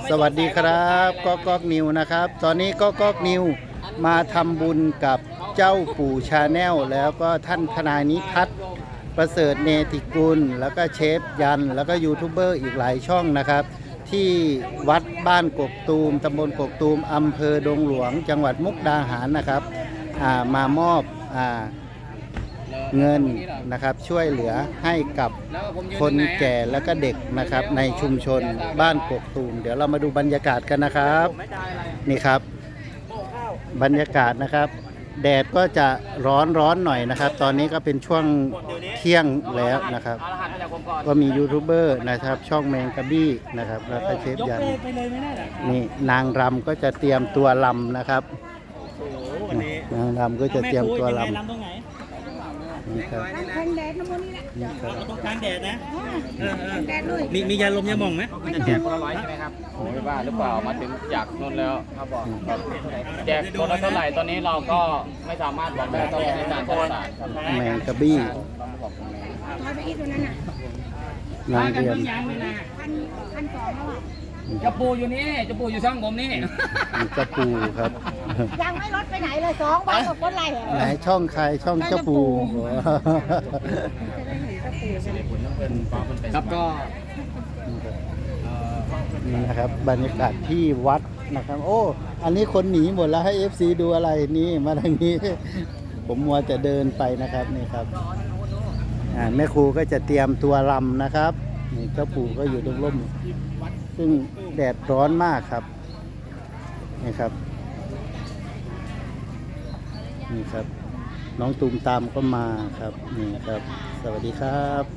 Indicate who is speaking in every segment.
Speaker 1: สวัสดีครับก๊อกนิวนะครับตอนนี้ก๊อกนิวมาทำบุญกับเจ้าปู่ชาแนลแล้วก็ท่านทนายนิทัศน์ประเสริฐเนติกุลแล้วก็เชฟยันแล้วก็ยูทูบเบอร์อีกหลายช่องนะครับที่วัดบ้านกกตูมตำบลกกตูมอำเภอดงหลวงจังหวัดมุกดาหารนะครับมามอบเงินนะครับช่วยเหลือให้กับคนแก่แล้วก็เด็กนะครับในชุมชนบ้านกกตูมเดี๋ยวเรามาดูบรรยากาศกันนะครับนี่ครับบรรยากาศนะครับแดดก็จะร้อนหน่อยนะครับตอนนี้ก็เป็นช่วงเที่ยงแล้วนะครับก็มียูทูบเบอร์นะครับช่องแมงกะบี้นะครับแล้วก็เชฟยันนี่นางรำก็จะเตรียมตัวรำนะครับนางรำก็จะเตรียมตัวรำนี่ครับ
Speaker 2: กลางแดดนะโมนี่แหละ
Speaker 1: นี่ครับ
Speaker 3: ต้องกลางแดดนะ
Speaker 2: แดดเลย
Speaker 3: มียาลมยาหม่องไหม
Speaker 4: แจกคนละ100ใช่ไหมครับผมไม่ว่าหรือเปล่ามาถึงจากนนแล้วครับบอกแจกคนละเท่าไหร่ตอนนี้เราก็ไม่สามารถบอกได้ต้องในการจัดสรรครับ
Speaker 1: แมงกะบี้
Speaker 2: ถอยไปอีกตัวนั้นน่ะ
Speaker 1: นางเรียม
Speaker 2: พันสองแล้วอ่ะ
Speaker 4: จะปูอยู่นี่จะปูอยู่ช่องผมนี่
Speaker 1: มีเจ้าปูครับ
Speaker 2: ยังไม่ลดไปไหนเลย2 วันกับคนไร
Speaker 1: ไหนช่องใครช่องเจ้าปู
Speaker 4: ครับก็
Speaker 1: นี่นะครับบรรยากาศที่วัดนะครับโอ้อันนี้คนหนีหมดแล้วให้ FC ดูอะไรนี่มาทางนี้ ผมมัวจะเดินไปนะครับนี่ครับแม่ครูก็จะเตรียมตัวรำนะครับนี่เจ้าปู่ก็อยู่ตรงร่มซึ่งแดดร้อนมากครับนี่ครับนี่ครับน้องตูมตามก็มาครับนี่ครับสวัสดีครับ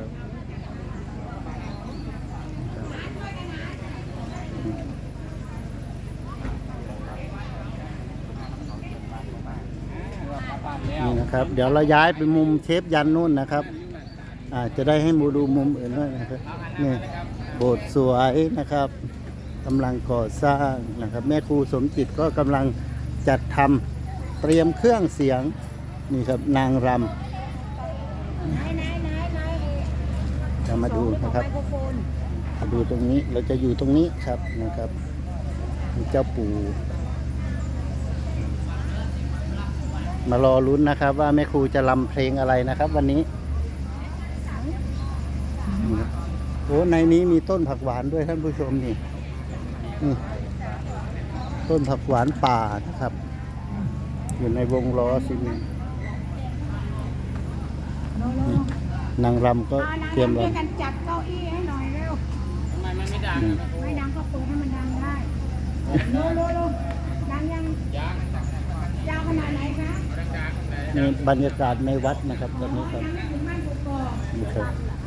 Speaker 1: นี่นะครับเดี๋ยวเราย้ายไปมุมเชฟยันนู่นนะครับจะได้ให้มูดูมุมอื่นด้วยนะครับนี่โบสถ์สวยนะครับกำลังก่อสร้างนะครับแม่ครูสมจิตก็กำลังจัดทำเตรียมเครื่องเสียงนี่ครับนางรำจะมาดูนะครับมาดูตรงนี้เราจะอยู่ตรงนี้ครับนะครับเจ้าปู่มารอลุ้นนะครับว่าแม่ครูจะรำเพลงอะไรนะครับวันนี้โอ้ในนี้มีต้นผักหวานด้วยท่านผู้ชมนี่ต้นผักหวานป่านะครับอยู่ในวงล้อซีเมนต์นางรำก็เตรียมรำ
Speaker 2: กันจัดเก้าอี้ให้หน่อยเร็ว
Speaker 4: ทำไมมันไม่ดัง
Speaker 2: ไม่ดังก็เปิดให้มันดังได้โลดังยังยาวขนาดไหนคะ
Speaker 1: นี่บรรยากาศในวัดนะครับตอนนี้ครับ
Speaker 2: ถึงบ้านกกอก
Speaker 1: นี่ครับ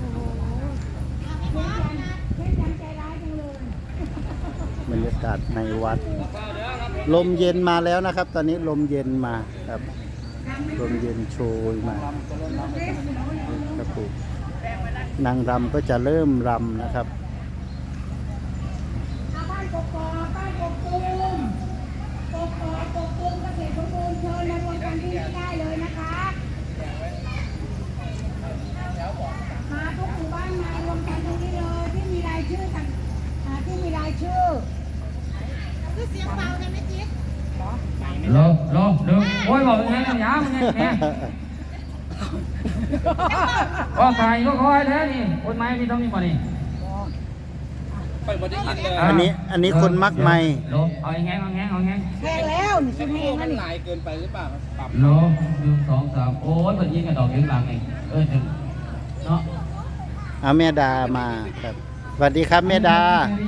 Speaker 2: เล่นยังใจร้ายจังเลย
Speaker 1: บรรยากาศในวัดลมเย็นมาแล้วนะครับ ตอนนี้ลมเย็นมาครับลมเย็นโชยมาครับผมนางรำก็จะเริ่มรำนะครับ
Speaker 2: บ้านกกอกบ้านกกตูมกกอกกกตูมเกษตรสมบูรณ์เชิญมารวมกันที่นี่ได้เลยนะคะมาทุกหมู่บ้านมารวมกันตรงนี้เลยที่มีรายชื่อต่างที่มีรายชื่อคือเสียงเบาเนี่ยไม่จิ๊บ
Speaker 4: ลงโอ้ยบอกยังไงกันยามยังไงก็ใครก็คอยแท้นี่คนไม้มีต้องมีบ่นี่
Speaker 1: อันนี้คนมักไม่
Speaker 4: เอาแห้ง
Speaker 2: แพงแล้วนี่ชิมเองนะนี่
Speaker 4: โล1 2 3โอ้ยเปิดยิงกับดอกยิงหลังเองถึงเนาะ
Speaker 1: เอาแม่ดามาครับสวัสดีครับแม่ดา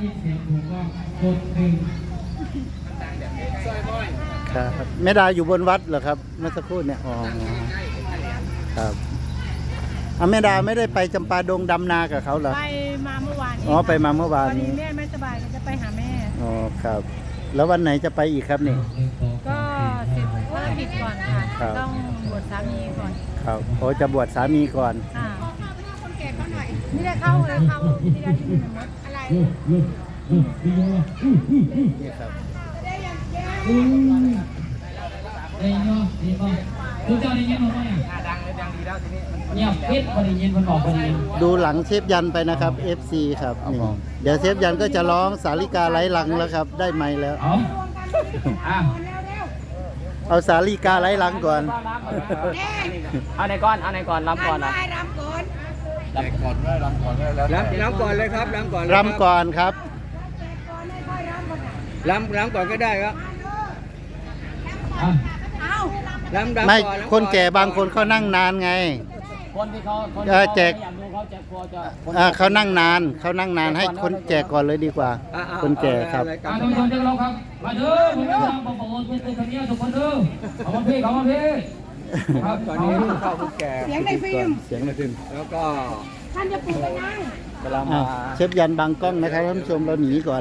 Speaker 1: ครับแม่ดาอยู่บนวัดเหรอครับเมื่อสักครู่เนี่ยอ๋อครับเอาแม่ดาไม่ได้ไปจำปาดงดำนากับเขาเหรอ
Speaker 2: ไปมาเมื่อวานนี้
Speaker 1: อ๋อไปมาเมื่อวานนี้
Speaker 2: แม่ไม่สบายจะไปหาแม่
Speaker 1: อ๋อครับแล้ววันไหนจะไปอีกครับนี่
Speaker 2: ก็เสร็จภารกิจก่อนค่ะ
Speaker 1: ครับ
Speaker 2: ต้องบวชสามีก่อน
Speaker 1: ครับโอ้จะบวชสามีก่อน
Speaker 2: ค่ะคนแก่เขาหน่อยนี่ได้เข้าเลยเข้าที่ได้ที่มีมดอะไร
Speaker 1: นี่ครับ
Speaker 2: ได้ยังแย่
Speaker 4: เอ้ยเนาะดีป่ะ
Speaker 3: ดูเจ้าได้ยินผมไหม
Speaker 4: ดังเลยดังดีแล้วทีนี้มัน
Speaker 3: เงียบปิดพอได้ยินคนบอกพอได้ยิน
Speaker 1: ดูหลังเชฟยันไปนะครับ FC ครับนี่เดี๋ยวเชฟยันก็จะร้องสาลิกาไร้ลังแล้วครับ ได้ไมค์แล้ว
Speaker 3: เอาอ่ะ
Speaker 1: เอาสาลิกาไร้ลังก่อน
Speaker 4: เอาไหนก่อนเอาไหนก่อนรับก่อนนะ
Speaker 2: ได้รำก่อน
Speaker 4: รับก่อนได้รับก่อนได้แล้วรับก่อนเลยครับรับก่อน
Speaker 1: รำก่อนครับ
Speaker 2: ก่อนให้ค่อยรำก่อนนะ
Speaker 4: รับก่อนก็ได้ครับ
Speaker 3: อ่ะ
Speaker 2: เอา
Speaker 4: รับ
Speaker 1: ไม่คนแก่บางคนเขานั่งนานไง
Speaker 4: คนที่เขาคน
Speaker 1: แจก
Speaker 4: อยากดูเขาจะกลัวจะ
Speaker 1: เขานั่งนานให้คนแก่ก่อนเลยดีกว่า คนแก่ครับ
Speaker 3: ท่านผู้ชมที่เราครับมาเด้อผมจะทำประโยชน์เป็นคนนี้ทุกคนเด้อขอบคุณพี่ครับ
Speaker 4: ตอนนี้เข้าคุณแก่
Speaker 2: เสียงในฟิล์ม
Speaker 1: เสียงในฟิล์ม
Speaker 4: แล้วก็
Speaker 2: ท่านจะปลูกไปนั่ง
Speaker 4: กำลัง
Speaker 1: อ่ะ
Speaker 4: มา
Speaker 1: เชฟยันบางกล้องนะครับท่านผู้ชมเราหนีก่อน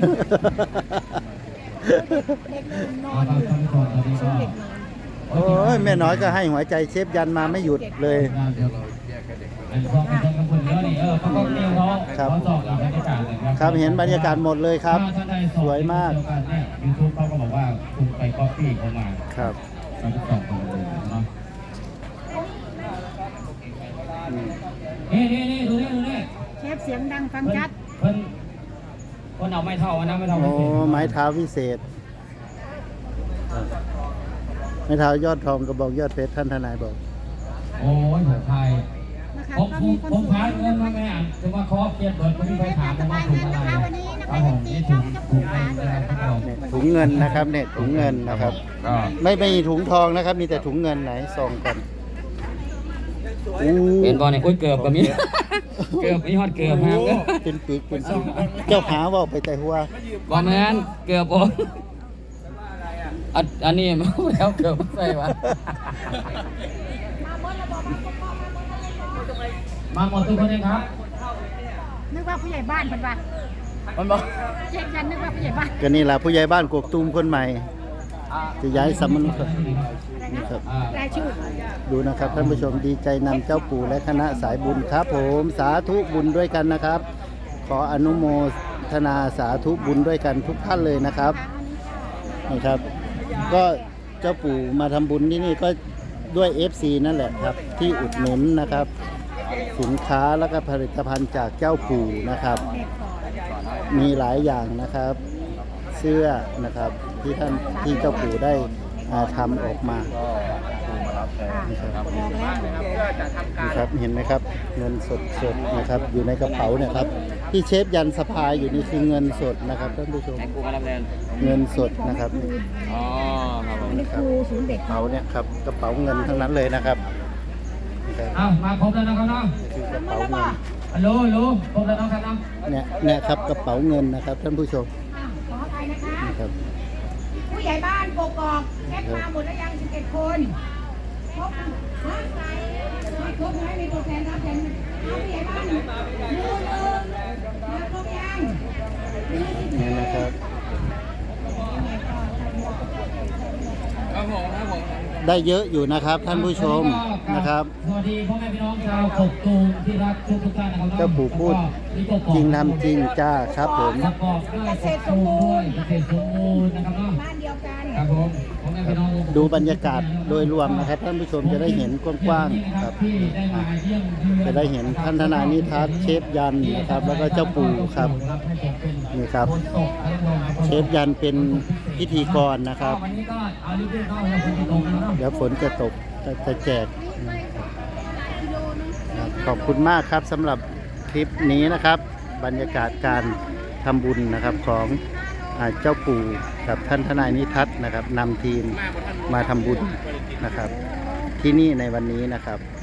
Speaker 2: เด็กลืมนอ
Speaker 3: ท่าน
Speaker 2: น
Speaker 3: ผู้ชมตอนนี้ก็
Speaker 1: โอ้ยแม่น้อยก็ให้หัวใจเชฟยันมาไม่หยุดเลย
Speaker 3: เป็นพวกเป็นคนเยอะนี่เขาก็เรียกเขา
Speaker 1: ครับ
Speaker 3: เขาสอบบรรยากาศเลยครับ
Speaker 1: ครับเห็นบรรยากาศหมดเลยครับ
Speaker 3: ถ้าได้
Speaker 1: สวยมาก
Speaker 3: ยูทูบเขาก็บอกว่าคุณไปก๊อปปี้เขามา
Speaker 1: ครับ
Speaker 3: เราจะสอบกันเลยเนาะนี่ดูนี่
Speaker 2: เชฟเสียงดังฟังชัด
Speaker 3: เพิ่นคนเอาไม่เท่านะไม่เท่า
Speaker 1: โอ้ไม้เท้าวิเศษไม้เท้ายอดทองกระบอกยอดเพชรท่านทนายบอก
Speaker 3: โอ้ยผมไทย
Speaker 2: นะคะ
Speaker 3: ผม
Speaker 2: ก็
Speaker 3: ผม
Speaker 2: มีคน
Speaker 3: ผม
Speaker 2: สว
Speaker 3: พาย
Speaker 2: ย
Speaker 3: เงินมาแม่อ่านจะมาขอเกียรติเบิร์ดคนที่ไปถาม
Speaker 2: ส
Speaker 3: ว่า
Speaker 2: บาย
Speaker 3: ถุ
Speaker 2: เงิ
Speaker 3: ง
Speaker 2: น
Speaker 3: อะไร
Speaker 2: นะคะวันนี้นะ
Speaker 3: ครั
Speaker 2: คะ
Speaker 3: บผม
Speaker 2: ตี
Speaker 3: นี่
Speaker 2: ช่
Speaker 3: ถุ
Speaker 2: อง
Speaker 3: ง
Speaker 2: จะป
Speaker 3: ถุ
Speaker 2: ลู
Speaker 3: ง
Speaker 2: ก
Speaker 3: ร้า
Speaker 2: ร้าน น
Speaker 3: นะครับผม
Speaker 1: เนี่ยถุงเงินนะครับเนี่ยถุงเงินนะครับ
Speaker 3: ก็
Speaker 1: ไม่มีถุงทองนะครับ มีแต่ถุงเงินไหนส่องก่อนอู้
Speaker 3: เป็นบอลเนี่ยอุ้ยเกือบกับมีเกือบมีฮอดเกือบฮะ
Speaker 1: เป็นปีกเป็นปีกเจ้าหาว่าไปแต่หัว
Speaker 3: บอลแมนเกือบผมอันนี้มาแล้วเกือบใส่วะมาหมดทุกคนเลยครับ
Speaker 2: นึกว่าผู้ใหญ่บ้านเพิ่นว่า
Speaker 4: มันบอก
Speaker 2: เชฟยันนึกว่าผู้ใหญ่บ้าน
Speaker 1: ก็นี่แหละผู้ใหญ่บ้านกกตูมคนใหม่ จะย้ายสำนักนี่ครับ
Speaker 2: รายชื่อ
Speaker 1: ดูนะครับท่านผู้ชมดีใจนำเจ้าปู่และคณะสายบุญครับ ผมสาธุบุญด้วยกันนะครับ ขออนุโมทนาสาธุบุญด้วยกันทุกท่านเลยนะครับนี่ครับ ก็เจ้าปู่มาทำบุญที่นี่ก็ด้วย FC นั่นแหละครับ ที่อุดหนุนนะครับ สินค้าแล้วก็ผลิตภัณฑ์จากเจ้าปู่นะครับ มีหลายอย่างนะครับ เสื้อนะครับที่เจ้าปู่ได้ทำออกมานี่ครับนี่ครับเห็นไหมครับ เงินสดๆนะครับ อยู่ในกระเป๋าเนี่ยครับที่เชฟยันสะพายอยู่นี่คือเงินสดนะครับท่านผู้ชม
Speaker 4: ให้กูมาดำเนิน
Speaker 1: เงินสดนะครับนี่
Speaker 4: อ๋อครับผม
Speaker 2: อันนี้ครูศูนย์เด็ก
Speaker 1: กระเป๋าเนี่ยครับกระเป๋าเงินทั้งนั้นเลยนะครับนี่ครับ
Speaker 3: อ้าวมาครบแล้วนะครับเนาะ
Speaker 1: คือกระเป๋าเงิน
Speaker 3: ฮัลโหลครบแล้วนะครับเนาะ
Speaker 1: เนี่ยครับกระเป๋าเงินนะครับท่านผู้ชม
Speaker 2: ขออภัยนะคะ
Speaker 1: นี่ครับ
Speaker 2: ผู้ใหญ่บ้านกกอกเชฟมาหมดแล้วยัง11 คนครบฮะไม่ครบไหมมีตัวแทนรับแทนเอาผู้ใหญ่บ้านมือมาครบยัง
Speaker 1: นี่นะครับ
Speaker 4: ครับผมครับผม
Speaker 1: ได้เยอะอยู่นะครับท่านผู้ชมนะครับ
Speaker 3: สวัสดีพ่อแม่พี่น้องชาวกกตูมที่รักทุกท่านนะครับ
Speaker 1: เจ้าปู่พูดจริงทำจริงจ้าครับผม
Speaker 3: ประกอบด้วยกกตูมด้วยเกษตรสมบูรณ์นะครับเนาะ
Speaker 2: บ้านเดียวกัน
Speaker 3: ครับผมพ่อแม่พี่น้อง
Speaker 1: ดูบรรยากาศโดยรวมนะครับท่านผู้ชมจะได้เห็นกว้างๆครับ
Speaker 3: ที่ได้มาเยี่ยมเยือน
Speaker 1: จะได้เห็นท่านทนายนิทัศน์เชฟยันนะครับ แล้วก็เจ้าปู่ครับนี่ครับ เชฟยันเป็นพิธีกรนะครับ
Speaker 3: วันนี้ก็เอาลิฟต์เข้าแล้วฝนจะตกแล้วเนาะ
Speaker 1: เดี๋ยวฝนจะตกจะแจกครับขอบคุณมากครับสำหรับคลิปนี้นะครับ บรรยากาศการทำบุญนะครับของเจ้าปู่กับท่านทนายนิทัศน์นะครับนำทีมมาทำบุญนะครับ ที่นี่ในวันนี้นะครับ